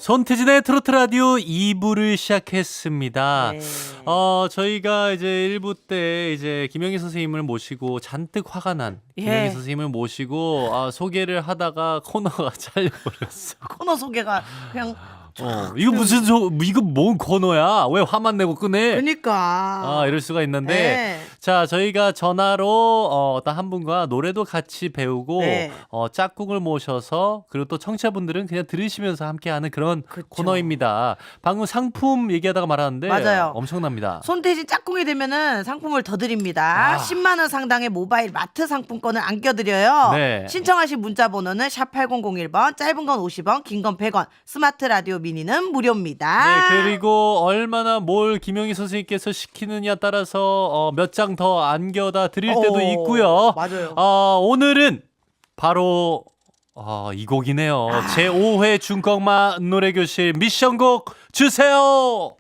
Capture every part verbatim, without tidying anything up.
손태진의 트로트 라디오 이 부를 시작했습니다. 네. 어, 저희가 이제 일 부 때 이제 김영희 선생님을 모시고 잔뜩 화가 난 예. 김영희 선생님을 모시고 아, 소개를 하다가 코너가 잘려버렸어. 코너 소개가 그냥 어, 이거 무슨 소, 이거 뭔 코너야? 왜 화만 내고 끄네? 그러니까 아, 이럴 수가 있는데. 네. 자, 저희가 전화로 어, 어떤 한 분과 노래도 같이 배우고 네. 어, 짝꿍을 모셔서 그리고 또 청취자분들은 그냥 들으시면서 함께하는 그런 그쵸. 코너입니다. 방금 상품 얘기하다가 말았는데 맞아요. 엄청납니다. 손태진 짝꿍이 되면은 상품을 더 드립니다. 아. 십만 원 상당의 모바일 마트 상품권을 안겨드려요. 네. 신청하신 문자 번호는 샵 팔공공일 번, 짧은 건 오십 원, 긴 건 백 원, 스마트 라디오 미니는 무료입니다. 네, 그리고 얼마나 뭘 김영희 선생님께서 시키느냐 따라서 어, 몇 장 더 안겨다 드릴 때도 어, 있고요. 맞아요. 어, 오늘은 바로 어, 이 곡이네요. 아. 제오 회 중꺾마 노래교실 미션곡 주세요.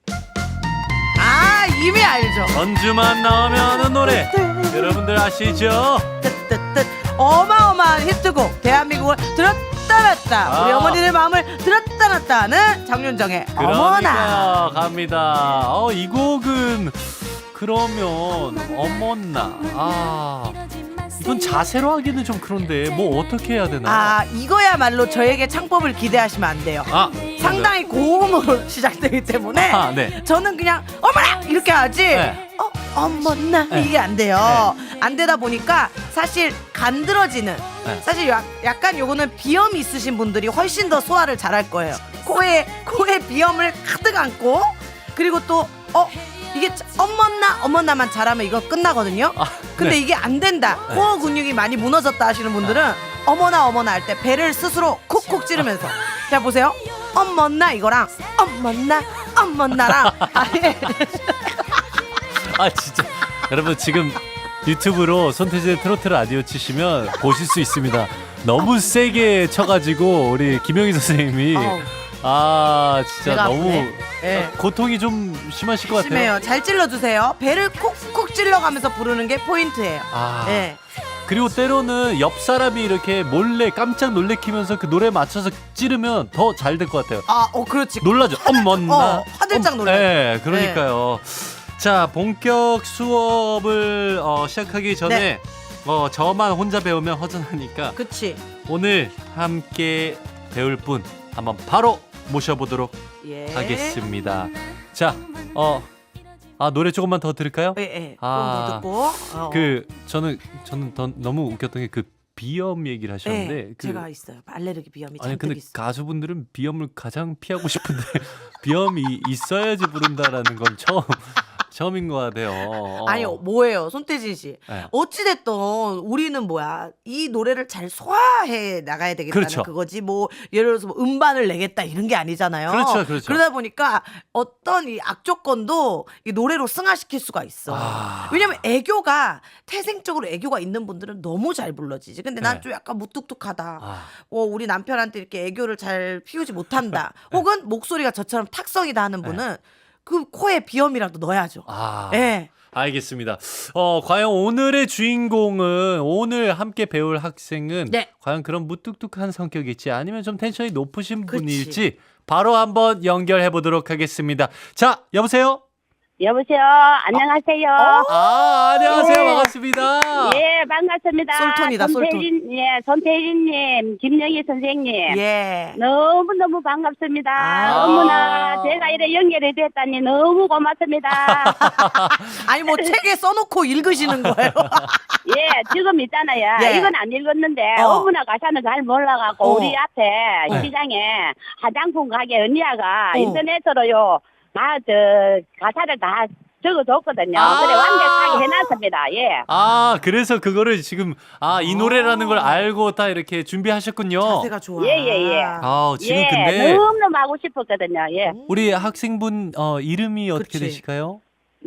아, 이미 알죠. 전주만 나오면 노래 여러분들 아시죠? 뜻뜻뜻 어마어마한 히트곡 대한민국을 들었다 놨다 우리 아. 어머니들 마음을 들었다 놨다는 장윤정의 어머나. 그러니까 갑니다. 어, 이 곡은 그러면 어머나 아 이건 자세로 하기는 좀 그런데 뭐 어떻게 해야 되나요? 아, 이거야말로 저에게 창법을 기대하시면 안 돼요. 아, 상당히 고음으로 시작되기 때문에 아, 네. 저는 그냥 어머나 이렇게 하지 네. 어 어머나 네. 이게 안 돼요. 안 되다 보니까 사실 간드러지는 네. 사실 약, 약간 요거는 비염이 있으신 분들이 훨씬 더 소화를 잘할 거예요. 코에 코에 비염을 가득 안고 그리고 또 어 이게 어머나 어머나만 잘하면 이거 끝나거든요. 아, 근데 네. 이게 안 된다. 코어 근육이 많이 무너졌다 하시는 분들은 어머나 어머나 할 때 배를 스스로 콕콕 찌르면서 자 보세요. 어머나 이거랑 어머나 어머나랑 아예 아 진짜 여러분 지금 유튜브로 손태진의 트로트 라디오 치시면 보실 수 있습니다. 너무 세게 쳐가지고 우리 김영희 선생님이 어우, 아 진짜 배가 너무 아프네. 예. 고통이 좀 심하실 것 같아요. 심해요. 잘 찔러주세요. 배를 콕콕 찔러가면서 부르는 게 포인트예요. 아 예. 그리고 때로는 옆 사람이 이렇게 몰래 깜짝 놀래키면서 그 노래에 맞춰서 찌르면 더 잘 될 것 같아요. 아, 어 그렇지. 놀라죠. 엄머나. 어, 화들짝 놀라죠. 네, 그러니까요. 자, 본격 수업을 어, 시작하기 전에 네. 어, 저만 혼자 배우면 허전하니까 그치. 오늘 함께 배울 분 한번 바로 모셔보도록 예. 하겠습니다. 자, 어, 아 노래 조금만 더 들을까요? 예, 예. 아, 조금 더 듣고. 어. 그 저는 저는 더, 너무 웃겼던 게 그 비염 얘기를 하셨는데 예, 그, 제가 있어요. 알레르기 비염이 아니 잔뜩 근데 있어요. 가수분들은 비염을 가장 피하고 싶은데 비염이 있어야지 부른다라는 건 처음 처음인 것 같아요. 어. 아니 뭐예요, 손태진 씨. 네. 어찌됐든 우리는 뭐야 이 노래를 잘 소화해 나가야 되겠다는 그렇죠. 그거지. 뭐 예를 들어서 뭐 음반을 내겠다 이런 게 아니잖아요. 그렇죠, 그렇죠. 그러다 보니까 어떤 이 악조건도 이 노래로 승화시킬 수가 있어. 아. 왜냐면 애교가 태생적으로 애교가 있는 분들은 너무 잘 불러지지. 근데 난 네. 좀 약간 무뚝뚝하다. 아. 어, 우리 남편한테 이렇게 애교를 잘 피우지 못한다. 혹은 목소리가 저처럼 탁성이다 하는 분은 그 코에 비염이라도 넣어야죠. 아. 예. 알겠습니다. 어, 과연 오늘의 주인공은 오늘 함께 배울 학생은 네. 과연 그런 무뚝뚝한 성격일지 아니면 좀 텐션이 높으신 그치. 분일지 바로 한번 연결해 보도록 하겠습니다. 자, 여보세요? 여보세요. 안녕하세요. 아, 안녕하세요. 예. 반갑습니다. 예, 반갑습니다. 솔톤이다, 솔톤. 손태진, 예, 손태진님, 김영희 선생님. 예. 너무 너무 반갑습니다. 아. 어머나, 제가 이래 연결이 됐다니 너무 고맙습니다. 아니 뭐 책에 써놓고 읽으시는 거예요? 예, 지금 있잖아요. 예. 이건 안 읽었는데 어. 어. 머나 가사는 잘 몰라갖고 어. 우리 앞에 네. 시장에 화장품 가게 언니야가 어. 인터넷으로요 다 저 가사를 다 적어줬거든요. 아. 그래 완벽하게 해놨습니다. 예. 아, 그래서 그거를 지금 아, 이 노래라는 걸 알고 딱 이렇게 준비하셨군요. 자세가 좋아. 예, 예, 예. 아, 지금 예, 근데 너무너무 하고 싶었거든요. 예. 우리 학생분 어, 이름이 어떻게 그치. 되실까요?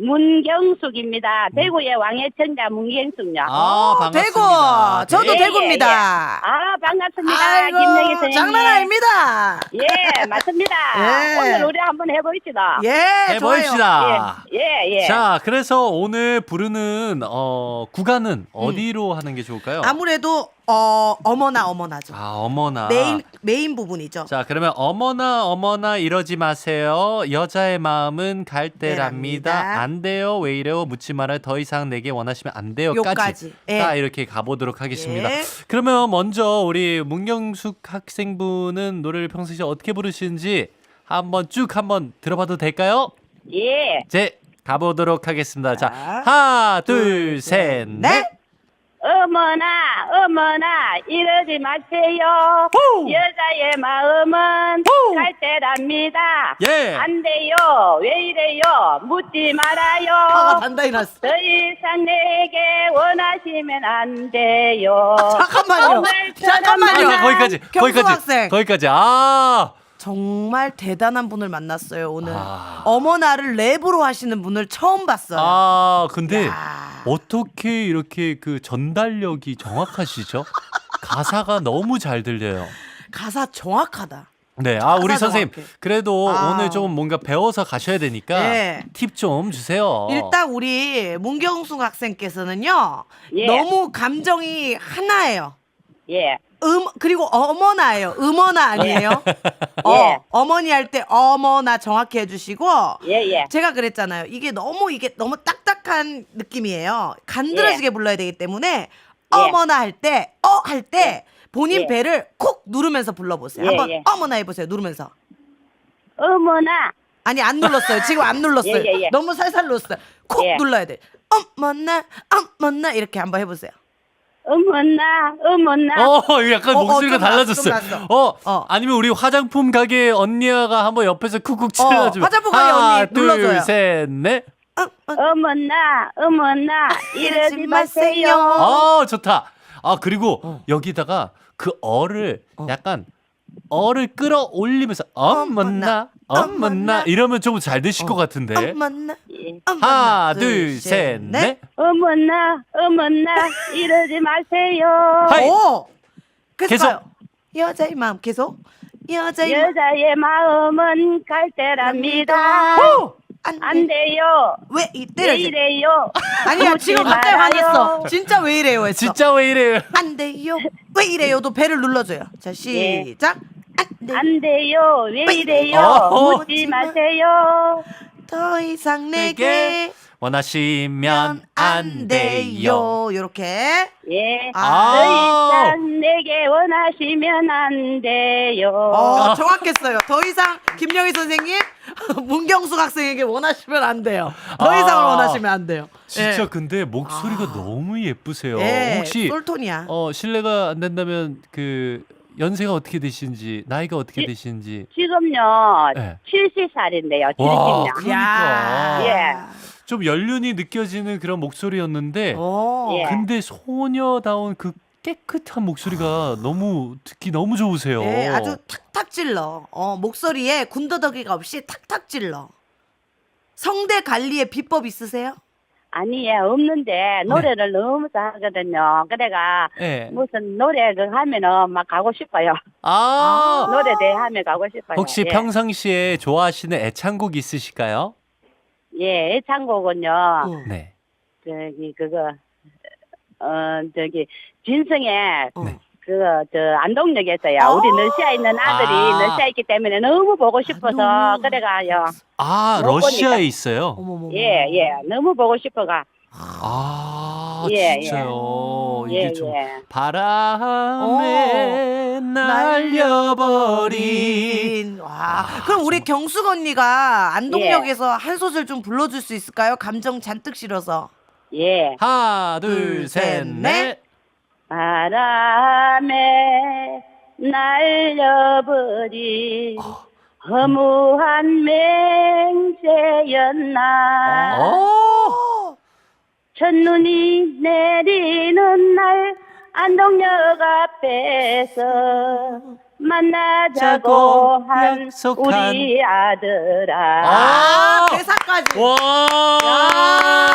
문경숙입니다. 대구의 왕의 청자 문경숙요. 아, 어, 반갑습니다. 대구. 저도 예, 대구입니다. 아, 반갑습니다. 아이고, 김영희 선생님. 장난 아닙니다. 예, 맞습니다. 예. 오늘 우리 한번 해보시다. 예, 좋아요. 해봅시다. 예, 예, 예. 자, 그래서 오늘 부르는 어, 구간은 어디로 하는 게 좋을까요? 아무래도 어 어머나 어머나죠. 아, 어머나. 메인 메인 부분이죠. 자, 그러면 어머나 어머나 이러지 마세요. 여자의 마음은 갈대랍니다. 때랍니다. 안 돼요. 왜 이래요? 묻지 말아요. 더 이상 내게 원하시면 안 돼요까지. 요까지. 예. 딱 이렇게 가보도록 하겠습니다. 예. 그러면 먼저 우리 문경숙 학생분은 노래를 평소에 어떻게 부르시는지 한번 쭉 한번 들어봐도 될까요? 예. 제 가보도록 하겠습니다. 자, 자, 하나, 둘, 셋, 넷. 넷. 어머나 어머나 이러지 마세요. 호! 여자의 마음은 호! 갈대랍니다. 예. 안 돼요. 왜 이래요? 묻지 말아요. 화가 단단히 났어. 더 이상 내게 원하시면 안 돼요. 잠깐만요. 잠깐만요. 아, 거기까지. 경수 거기까지. 학생. 거기까지. 아. 정말 대단한 분을 만났어요 오늘. 아. 어머나를 랩으로 하시는 분을 처음 봤어요. 아, 근데 야. 어떻게 이렇게 그 전달력이 정확하시죠? 가사가 너무 잘 들려요. 가사 정확하다. 네, 아 우리 가사 선생님 정확해. 그래도 아. 오늘 좀 뭔가 배워서 가셔야 되니까 네. 팁 좀 주세요. 일단 우리 문경숙 학생께서는요 예. 너무 감정이 하나예요. 예. 음 그리고 어머나예요. 음어나 아니에요? 어, 예. 어머니 할 때 어머나 정확히 해주시고 예, 예. 제가 그랬잖아요. 이게 너무 이게 너무 딱딱한 느낌이에요. 간드러지게 불러야 되기 때문에 어머나 할 때 어 할 때 본인 예. 배를 콕 누르면서 불러보세요. 예, 한번 예. 어머나 해보세요. 누르면서. 어머나. 아니 안 눌렀어요. 지금 안 눌렀어요. 예, 예, 예. 너무 살살 눌렀어요. 콕 예. 눌러야 돼. 어머나 어머나 이렇게 한번 해보세요. 어머나 어머나. 어, 이거 약간 어, 어, 목소리가 좀 났어, 달라졌어요. 좀 났어. 어, 어. 아니면 우리 화장품 가게 언니가 한번 옆에서 쿡쿡 찔러주면. 화장품 가게 하나, 언니 둘, 눌러줘요. 셋, 넷. 어, 어, 어머나 어머나 이러지 이러지 마세요. 마세요. 아, 좋다. 아, 그리고 어. 여기다가 그 어를 약간 어를 끌어올리면서 어머나 어머나, 어머나 이러면 좀 잘 되실 것 같은데. 어머나 예. 하나, 둘, 셋, 넷. 어머나 어머나 이러지 마세요. 하이. 오 계속, 계속. 가요. 여자의 마음 계속 여자의 마음 여자의 마음은 갈대랍니다. 안, 안 돼요. 왜 왜 이때를 이래요? 아니야 묻지 지금 갑자기 말아요. 화냈어. 진짜 왜 이래요 했어. 진짜 왜 이래요? 안 돼요. 왜 이래요도 배를 눌러줘요. 자 예. 시작. 안 돼. 안 돼요. 왜 왜 이래요? 어. 묻지 마세요. 더 이상 내게 내게 원하시면 안 돼요. 요렇게. 예. 아. 더 이상 내게 원하시면 안 돼요. 어 정확했어요. 더 이상 김영희 선생님 문경숙 학생에게 원하시면 안 돼요. 더 아. 이상을 원하시면 안 돼요. 진짜 예. 근데 목소리가 너무 예쁘세요. 예, 혹시 솔톤이야. 어 실례가 안 된다면 그 연세가 어떻게 되시는지 나이가 어떻게 예. 되시는지. 지금요. 네. 칠십 살인데요. 와, 칠십 년. 그러니까 예. 좀 연륜이 느껴지는 그런 목소리였는데 오. 예. 근데 소녀다운 그 깨끗한 목소리가 너무 듣기 너무 좋으세요. 예, 아주 탁탁 찔러. 어, 목소리에 군더더기가 없이 탁탁 찔러. 성대 관리에 비법 있으세요? 아니에요. 없는데 노래를 너무 잘하거든요. 그래가 네. 무슨 노래를 하면은 막 가고 싶어요. 아, 노래 대하면 가고 싶어요. 혹시 예. 평상시에 좋아하시는 애창곡 있으실까요? 예, 애창곡은요. 어. 네. 저기 그거 어 저기 진성의 어. 네. 그거 저 안동역에서요. 어. 우리 러시아에 있는 아들이 아. 러시아에 있기 때문에 너무 보고 싶어서 안동. 그래가요. 아, 못 러시아에 보니까. 있어요. 어머머. 예, 예. 너무 보고 싶어가. 아, 예, 진짜요. 예, 이게 좀 예. 바람에 날려버린. 와. 그럼 우리 경숙 언니가 안동역에서 한 소절 좀 불러줄 수 있을까요? 감정 잔뜩 실어서. 예. 하나, 둘, 둘, 셋, 셋, 넷. 넷. 바람에 날려버린 허무한 맹세였나. 오! 첫눈이 내리는 날 안동역 앞에서 만나자고 한 약속한. 우리 아들아. 아, 대사까지. 와, 야.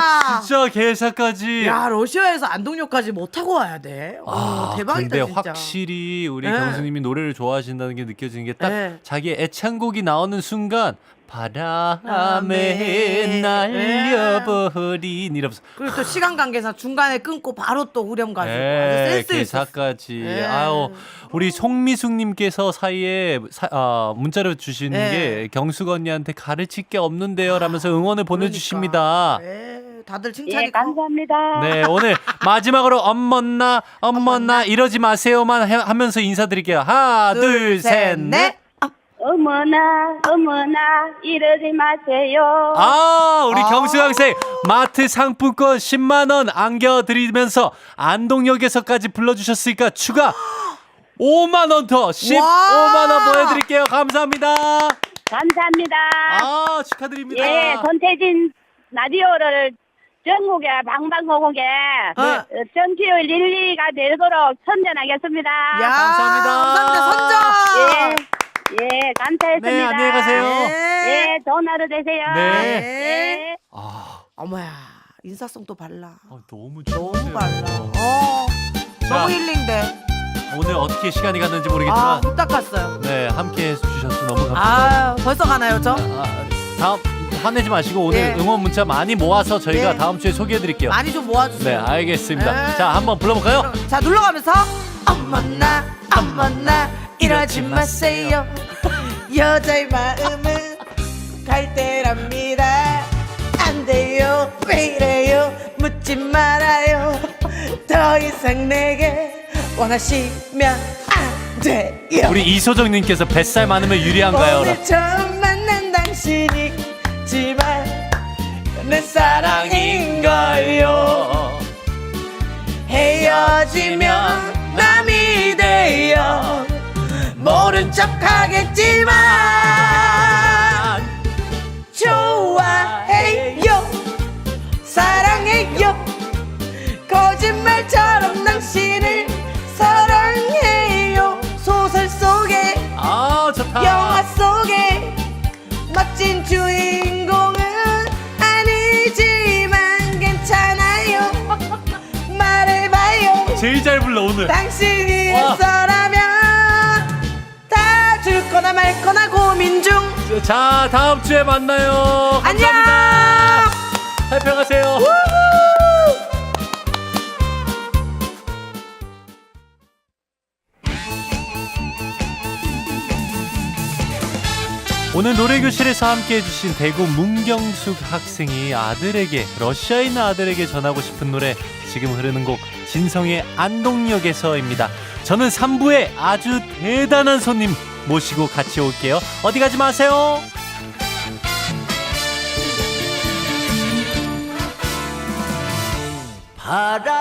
아, 진짜 개사까지. 야, 러시아에서 안동역까지 못 타고 와야 돼. 오, 아, 대박이다 근데 진짜. 확실히 우리 네. 경수님이 노래를 좋아하신다는 게 느껴지는 게 딱 네. 자기의 애창곡이 나오는 순간 바람에 네. 날려버린 이러면서 그리고 또 시간 관계상 중간에 끊고 바로 또 후렴 가지고 아주 네, 센스 있어. 개사까지. 네. 아유, 우리 송미숙님께서 사이에 사, 아, 문자를 주시는 네. 게 경숙 언니한테 가르칠 게 없는데요 라면서 응원을 보내주십니다. 그러니까. 네, 다들 칭찬이 예, 감사합니다. 네, 오늘 마지막으로 엄머나 엄머나 이러지 마세요만 해- 하면서 인사드릴게요. 하나, 둘, 셋, 넷. 어머나 어머나 이러지 마세요. 아, 우리 아. 경수 학생 마트 상품권 십만 원 안겨드리면서 안동역에서까지 불러주셨으니까 추가 오만 원 더 십오만 원 보내드릴게요. 감사합니다. 감사합니다. 아, 축하드립니다. 예, 손태진 라디오를 전국에 방방곡곡에 네. 어, 정치율 릴리가 되도록 선전하겠습니다. 야, 감사합니다. 감사합니다. 선정. 예, 예, 감사했습니다. 네, 안녕히 가세요. 네. 예, 좋은 하루 되세요. 네. 예. 아, 어머야, 인사성 또 발라. 어, 너무 너무 좋으세요. 발라. 어, 자, 너무 힐링돼. 오늘 어떻게 시간이 갔는지 아, 모르겠지만 후딱 갔어요. 네, 함께 해주셔서 너무 감사합니다. 아, 벌써 가나요, 저? 아, 다음 화내지 마시고 오늘 예. 응원 문자 많이 모아서 저희가 예. 다음 주에 소개해드릴게요. 많이 좀 네, 모아주세요. 알겠습니다. 예. 자, 한번 불러볼까요? 자, 눌러가면서 어머나 어머나 이러지 마세요. 여자의 마음은 갈대랍니다. 안 돼요, 왜 이래요, 묻지 말아요. 더 이상 내게 원하시면 안 돼요. 우리 이소정님께서 뱃살 많으면 유리한가요? 오늘 처음 만난 당신이지만 내 사랑인걸요. 헤어지면 남이 돼요. 모른 척 하겠지만 좋아해요, 사랑해요. 거짓말처럼 당신을 사랑해요. 소설 속에 아, 좋다. 영화 속에 멋진 주인공은 아니지만 괜찮아요. 말해봐요. 제일 잘 불러 오늘. 당신이 와. 있어라면 다 줄 거나 말 거나 고민 중. 자, 다음 주에 만나요. 안녕. 감사합니다. 살펴가세요. 오늘 노래교실에서 함께 해주신 대구 문경숙 학생이 아들에게, 러시아에 있는 아들에게 전하고 싶은 노래, 지금 흐르는 곡 진성의 안동역에서입니다. 저는 삼 부에 아주 대단한 손님 모시고 같이 올게요. 어디 가지 마세요. 바람